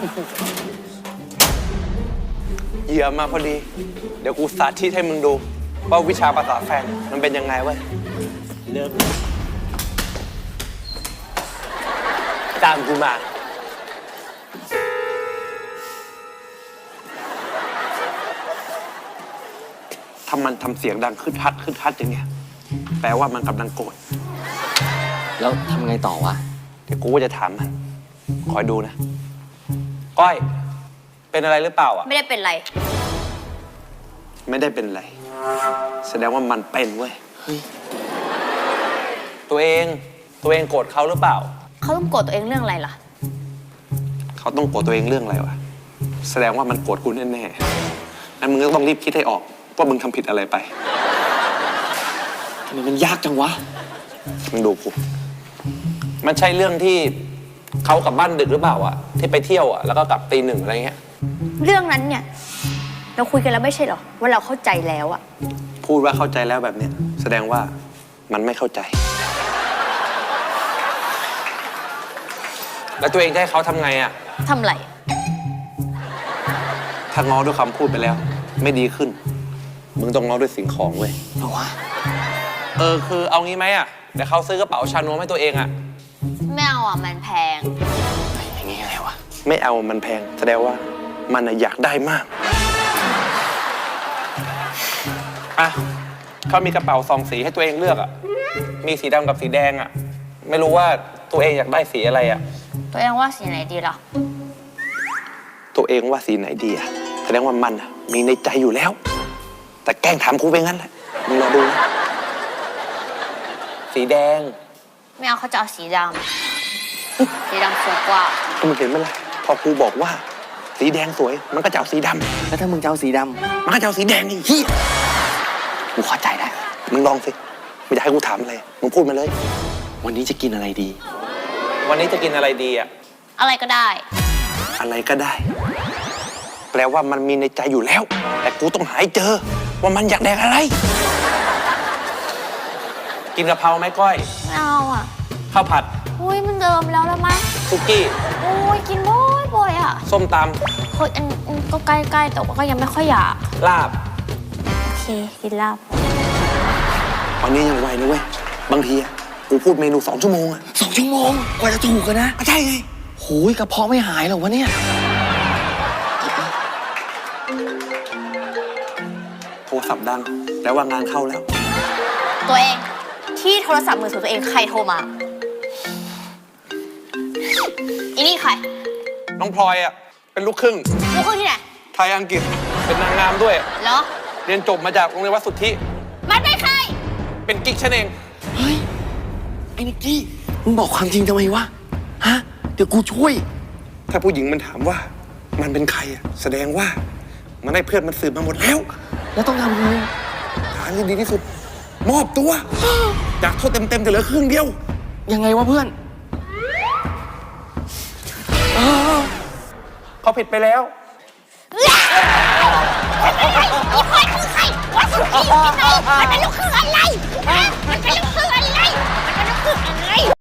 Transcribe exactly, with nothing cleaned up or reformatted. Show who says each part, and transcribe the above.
Speaker 1: เหยื่อมาพอดี เดี๋ยวกูสาธิตให้มึงดูว่าวิชาภาษาแฟนมันเป็นยังไงเว้ยเริ่มตามกูมาถ้ามันทำเสียงดังขึ้นทัดขึ้นทัดอย่างเงี้ยแปลว่ามันกำลังโกรธ
Speaker 2: แล้วทำไงต่อวะ
Speaker 1: เดี๋ยวกูก็จะถามมันคอยดูนะก้อยเป็นอะไรหรือเปล่าอ่ะ
Speaker 3: ไม่ได้เป็นไร
Speaker 1: ไม่ได้เป็นไรแสดงว่ามันเป็นเว้ยเฮ้ยตัวเองตัวเองโกรธเขาหรือเปล่า
Speaker 3: เขาต้องโกรธตัวเองเรื่องอะไรล่ะ
Speaker 1: เขาต้องโกรธตัวเองเรื่องอะไรวะแสดงว่ามันโกรธกูแน่ๆงั้นมึงก็ต้องรีบคิดให้ออกว่ามึงทำผิดอะไรไป
Speaker 2: ทำไมมันยากจังวะ
Speaker 1: มึงดูกูมันใช่เรื่องที่เขากลับบ้านดึกหรือเปล่าอะที่ไปเที่ยวอะแล้วก็กลับตีหนึ่งอะไรเงี้ย
Speaker 3: เรื่องนั้นเนี่ย เราคุยกันแล้วไม่ใช่เหรอว่าเราเข้าใจแล้วอะ
Speaker 1: พูดว่าเข้าใจแล้วแบบเนี้ยแสดงว่ามันไม่เข้าใจ แล้วตัวเองจะให้เขาทำไงอะ
Speaker 3: ทำไร
Speaker 1: ถ้าง้อด้วยคำพูดไปแล้ว ไม่ดีขึ้น มึงต้องง้อด้วยสิ่งของเว้ย
Speaker 2: เอาวะ
Speaker 1: เออคือเอางี้ไหมอะเดี๋ยวเขาซื้อกระเป๋าชานวมให้ตัวเองอะ
Speaker 3: ไม่เอาอ่ะมันแพง
Speaker 2: อย่างงี้ไงวะ
Speaker 1: ไม่เอามันแพงแสดงว่ามันอะอยากได้มากอ่ะเขามีกระเป๋าสองสีให้ตัวเองเลือกอะมีสีดำกับสีแดงอะไม่รู้ว่าตัวเองอยากได้สีอะไรอะ
Speaker 3: ตัวเองว่าสีไหนดีล่ะ
Speaker 1: ตัวเองว่าสีไหนดีอะแสดงว่ามันอะมีในใจอยู่แล้ว แต่แกล้งถามกูไปงั้นแหละมึงรอดูนะสีแดง
Speaker 3: ไม่เอาเขาจะเอาสีดำ สีดำสวยกว่า
Speaker 1: ก็มึงเห็นไหมล่ะพอกูบอกว่า สีแดงสวย มันก็จะเอาสีด
Speaker 2: แล้วถ้ามึงจะเอาสีด
Speaker 1: ำมันก็จะเอาสีแดงไอ้เหี้ย
Speaker 2: ำกูเข้าใจได้
Speaker 1: มึงลองสิไม่อยากให้กูถามอะไรมึงพูดมาเลย
Speaker 2: วันนี้จะกินอะไรดี
Speaker 1: วันนี้จะกินอะไรดีอะ
Speaker 3: อะไรก็ได้
Speaker 1: อะไรก็ได้ แปลว่ามันมีในใจอยู่แล้ว แต่กูต้องหาให้เจอ ว่ามันอยากแดกอะไร กินกะเพราไหมก้อย
Speaker 3: ไม่เอาอ่ะ
Speaker 1: ข้าวผัด
Speaker 3: อุ้ยมันเดิมแล้วแล้วมั้ย
Speaker 1: ซุกี้
Speaker 3: อุ้ยกินบ่อยบ่อยอ่ะ
Speaker 1: ส้มต
Speaker 3: เฮ้ยอันอันก็ใกล้ๆแต่ว่าก็ยังไม่ค่อยอยาก
Speaker 1: ำลาบ
Speaker 3: โอเคกินลาบ
Speaker 1: วันนี้ยังไวนะเว้ยบางทีอะกูพูดเมนูสองชั่วโมงอะ
Speaker 2: สองชั่วโมงกว่าจะถูกกันนะ
Speaker 1: ก็ใช่ไง
Speaker 2: โหยกระเพาะไม่หายหรอวะเนี่ย
Speaker 1: โทรศัพท์ดังแปลว่างานเข้าแล้ว
Speaker 3: ตัวเองที่โทรศัพท์มือถือตัวเองใครโทรมาอีนี่ใคร
Speaker 1: น้องพลอยอะเป็นลูกครึ่ง
Speaker 3: ลูกครึ่งที่ไหน
Speaker 1: ไทยอังกฤษเป็นนางงามด้วย
Speaker 3: เหรอ
Speaker 1: เรียนจบมาจากโรงเรียนวัดสุทธิ
Speaker 3: มันเป็นใคร
Speaker 1: เป็นกิ๊กฉันเอง
Speaker 2: เฮ้ย ไอ้นิกกี้ มึงบอกความจริงทำไมวะ ฮะ เดี๋ยวกูช่วย
Speaker 1: ถ้าผู้หญิงมันถามว่า มันเป็นใครอะแสดงว่ามันได้เพื่อนมันสืบมาหมดแล้ว
Speaker 2: แล้วต้องทำไง
Speaker 1: ทางที่ดีที่สุด มอบตัว จากโทษเต็มๆแต่เหลือครึ่งเดียว
Speaker 2: ยังไงวะเพื่อน
Speaker 1: เขาผิดไปแล้ว
Speaker 3: อีพลอยคือใครวัดสุกี้พี่น้องมันเป็นลูกครึ่งอะไรฮะมันเป็นลูกครึ่งอะไรมันเป็นลูกครึ่งอะไร